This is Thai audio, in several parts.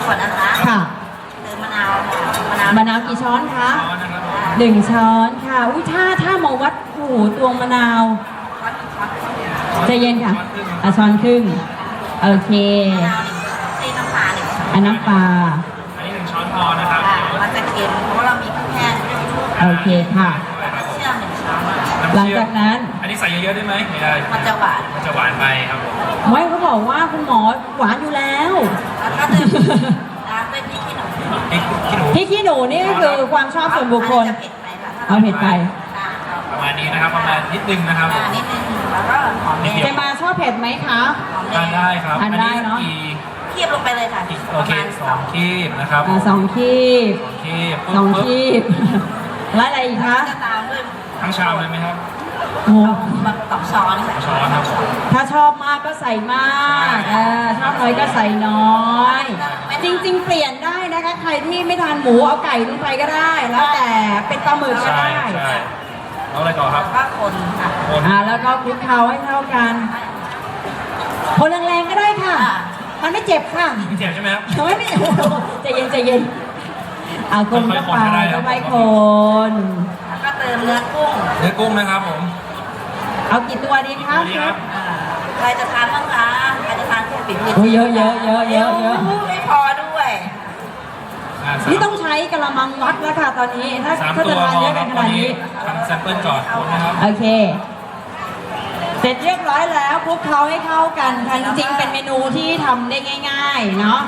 ก่อนนะคะค่ะเติมมะนาวมะนาวกี่ช้อนคะ1 ช้อนค่ะอุ้ยถ้ามาวัดโอ้โหตวงมะนาวใจเย็นค่ะช้อนครึ่งโอเคตีน้ำปลาน้ำปลาอันนี้1 ช้อนพอนะครับมันจะเค็มเพราะว่าเรามีพริกแห้งโอเคค่ะเชื่อม1 ช้อนหลังจากนั้นอันนี้ใส่เยอะๆได้ไหมไม่ได้มันจะหวานไปครับผมไม่เขาบอกว่าคุณหมอหวานอยู่แล้วแล้วก็เติมน้ำด้วยพริกขี้หนูพริกขี้หนูนี่ก็คือความชอบส่วนบุคคลเอาเผ็ดไปประมาณนี้นะครับประมาณนิดนึงนะครับนิดนึงแล้วก็หอมแดงจะมาชอบเผ็ดไหมคะทานได้ครับทานได้เนาะคีบลงไปเลยค่ะโอเค2 คีบนะครับ 2 คีบ2 คีบแล้วอะไรอีกคะจะตามด้วยทั้งชามเลยไหมครับโอ้ 2 ช้อนครับถ้าชอบมากก็ใส่มากชอบน้อยก็ใส่น้อยจริงๆเปลี่ยนได้นะคะใครที่ไม่ทานหมูเอาไก่ลงไปก็ได้แล้วแต่เป็นปลาหมึกก็ได้แล้วอะไรต่อครับก็คนค่ะแล้วก็คลุกเคล้าให้เข้ากันคนแรงๆก็ได้ค่ะมันไม่เจ็บค่ะไม่เจ็บใช่ไหมครับไม่เจ็บใจเย็นคนก็ไปก็ไปคนแล้วก็เติมเนื้อกุ้งนะครับผมเอากี่ตัวดีคะใครจะทานบ้างคะใครจะทานกุ้งปิ่นเยอะไม่พอด้วยนี่ต้องใช้กระมังวัดแล้วค่ะตอนนี้ถ้าจะทานเยอะขนาดนี้ทำแซมเปิลก่อนนะครับโอเคเสร็จเรียบร้อยแล้วคลุกเคล้าให้เข้ากันค่ะจริงๆเป็นเมนูที่ทำได้ง่ายๆเนาะ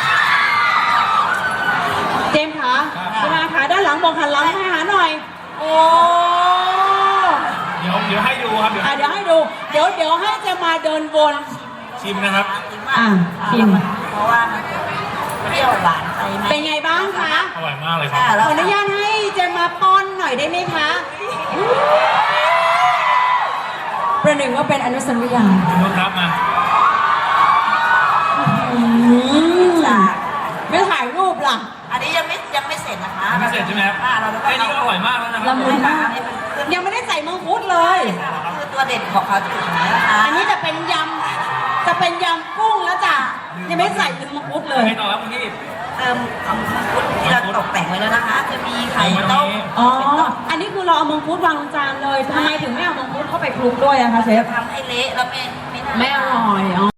เจมส์คะคุณอาคะด้านหลังบอกหันหลังให้หาหน่อยโอ้เดี๋ยวให้ดูครับเดี๋ยวให้ดูเดี๋ยวให้จะมาเดินวนชิมนะครับชิมเพราะว่ามันเปรี้ยวหวานไปไหมเป็นไงบ้างคะอร่อยมากเลยครับขออนุญาตให้จะมาป้อนหน่อยได้ไหมคะประหนึ่งว่าเป็นอนุสัญญาคุณครับมาไม่ถ่ายรูปล่ะอันนี้ยังไม่เสร็จนะคะไม่เสร็จใช่ไหมครับแค่นี้ก็อร่อยมากแล้วนะครับละมุนมากยังไม่ได้ใส่มังคุดเลยคือตัวเด็ดของเขาจะอยู่ตรงนี้นะคะอันนี้จะเป็นยำกุ้งแล้วจ้ะยังไม่ใส่ถึงมังคุดเลยไม่ต่อครับคุณพี่เติมมังคุดที่เราตกแต่งไว้แล้วนะคะจะมีไข่ต้มอันนี้คือเราเอามังคุดวางลงจานเลยทำไมถึงไม่เอามังคุดเข้าไปคลุกด้วยอะคะเชฟทำให้เละแล้วไม่อร่อย